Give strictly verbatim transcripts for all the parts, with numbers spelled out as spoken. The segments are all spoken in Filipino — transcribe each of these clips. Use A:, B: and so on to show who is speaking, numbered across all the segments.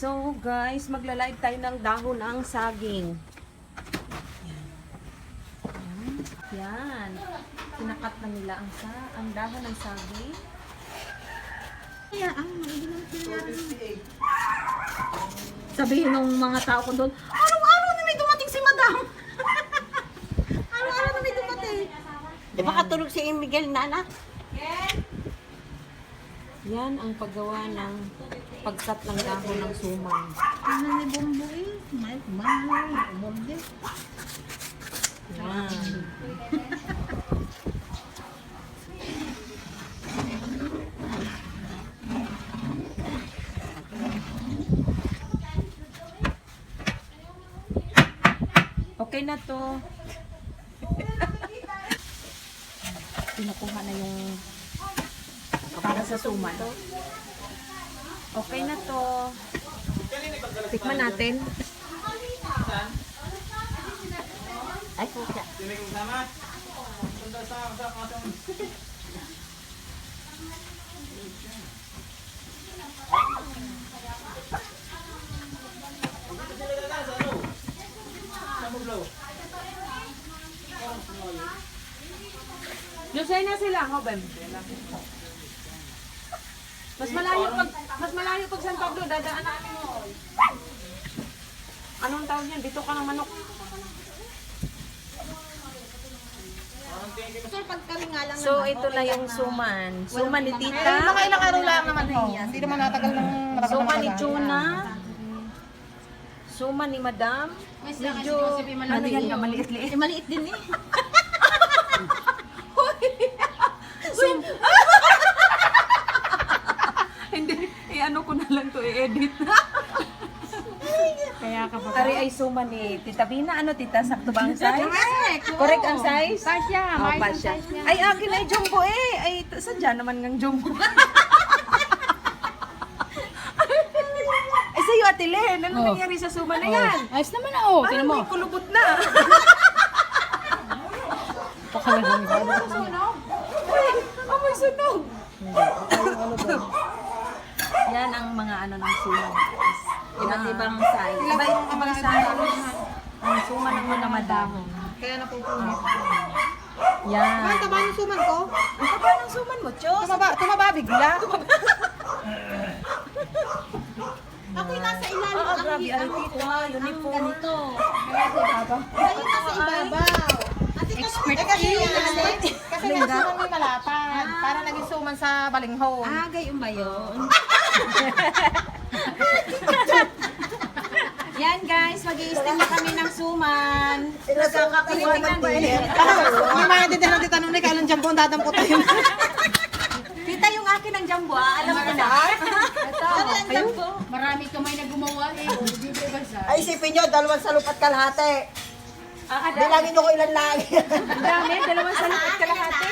A: So guys, magla-live tayo ng dahon ng saging. Yan. Yan. Yan. Pinakat na nila ang sa ang dahon ng saging.
B: Kaya ang sabihin ng mga tao ko doon, araw-araw na may dumating si Madam. Araw-araw na may dumating.
C: Di ba katulog si Miguel na anak?
A: Yan ang paggawa ng pagkat ng dahon ng suman.
B: Ano ni Bombo eh? May mahal, umorde.
A: Yan. Okay na to. Pinukuha na yung para sa suman. Okay na to. Tikman natin.
C: Ay, pusa.
A: Lusay na sila, Hobem. Mas malayo pag mas malayo pag San Pablo, dadaan natin mo. Anong tawag yan? Dito ka ng manok.
B: Sir, pag kami nga lang
A: So, ito na yung suman. Suman ni
B: Mga
A: Tita.
B: ilang araw lang naman ho. Hindi naman natagal ng
A: Suman ni Chuna. Suman ni Madam. Medyo, ano yan ka, maliit-liit.
B: Eh, maliit din eh.
A: Sum Hindi, i-ano ko na lang to, i-edit.
B: Kaya ka ba?
A: Ari ay suman ni Tita Bina. Ano, Tita? Sakto ba ang size?
B: Correct!
A: Correct ang size?
B: Pasya,
A: Oh,
B: may
A: pasya.
B: size niya.
A: Ay, akin ay jumbo eh. Ay, t- sadya naman ng jumbo. Ay, sa'yo, Ate Len. Ano
B: Oh.
A: nangyari sa suman na yan?
B: Ayos naman na oh.
A: Parang may kulubot na.
B: Pakalang
A: Uy, amoy sunog. Yan ang mga ano ng suman. Iba't ibang size. Iba ibang size. Ang suman ng mga madahon.
B: Kaya napupunit.
A: Yan.
B: Ang taba ng suman ko.
A: Ang taba ng suman mo, Diyos.
B: Tumaba, tumaba bigla. Ako'y nasa ilalim.
A: Oo, grabe. Ari, Tita. Uniform.
B: Ganito. Ayun nasa ibabaw. Expert kasi, kasi nga suman may malapad. Para naging suman sa balinghoy.
C: Ah, gayon ba yun?
A: Yan guys, mag-i-steam na kami ng suman.
C: Nagkakakuha ba yun?
B: May mga din ng titanong na kailan dyan po ang dadamputin.
A: Tita, yung akin ang jumbo, ah. Alam ko na. Ito, ang jumbo.
D: Marami kamay na gumawa eh. Hindi ba bansa?
C: Ay, isipin nyo, dalawang salupat kalahati.
A: Ah, ada.
C: Bilangin nyo ko ilan lagi.
A: Ang dami, dalawang salapit kalahati.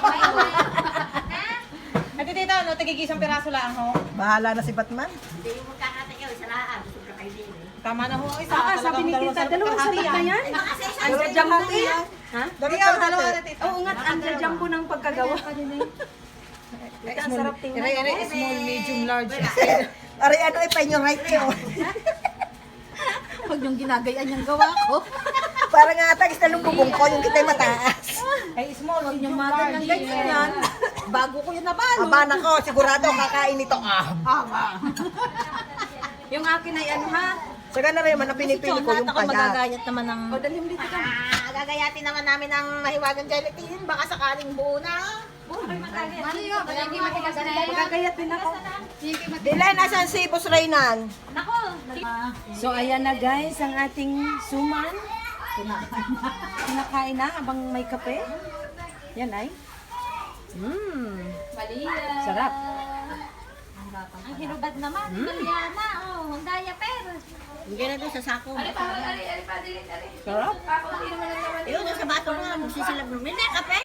B: Ate tita, ano, tigigisang piraso lang ho.
C: Bahala na si Batman. Hindi yung magkakata kayo, isa lang. Gusto ka kayo din eh.
B: Tama na ho, isa.
A: Ah, sabi ni Tita, dalawang salapit na yan. Ang jumbo eh. Ha?
B: Dalawa, dalawa na tita.
A: Oo nga, ang jumbo ng pagkagawa. Tita, ang sarap tingnan.
B: Ere, ere, small, medium, large.
C: Aray, ano eh, pa yung right nyo.
B: Huwag yung ginagayaan yung gawa ko.
C: Parang nga tagis na lumbubong ko, yung kita'y mataas.
B: Ay, small, huwag yung
A: Magal ng ganyan yan.
B: Bago ko yun nabalo.
C: Aba na ko, sigurado kakain ito. Ah,
A: Yung akin ay ano ha?
C: saka na rin man ang pinipili ko yung
B: ako
C: payat.
B: magagayat naman ng...
A: O, dalhin dito ka.
B: Ah, gagayatin naman namin ng mahiwagang gelatin. Baka sakaling buo na.
D: Ano yun? Palagi matigas na yan.
A: Magagayat din ako.
C: Dilan, asan si Boss Reynan?
A: So, ayan na guys, ang ating suman. Kinakain na habang may kape. Yan ay. Mmm. Sarap.
D: Ang hinubad naman. Italiana. Oh, ang diaper.
C: Hindi na doon sa sako.
A: Sarap.
C: Yun, sa bato nga, magsisilab namin. Hindi, kape.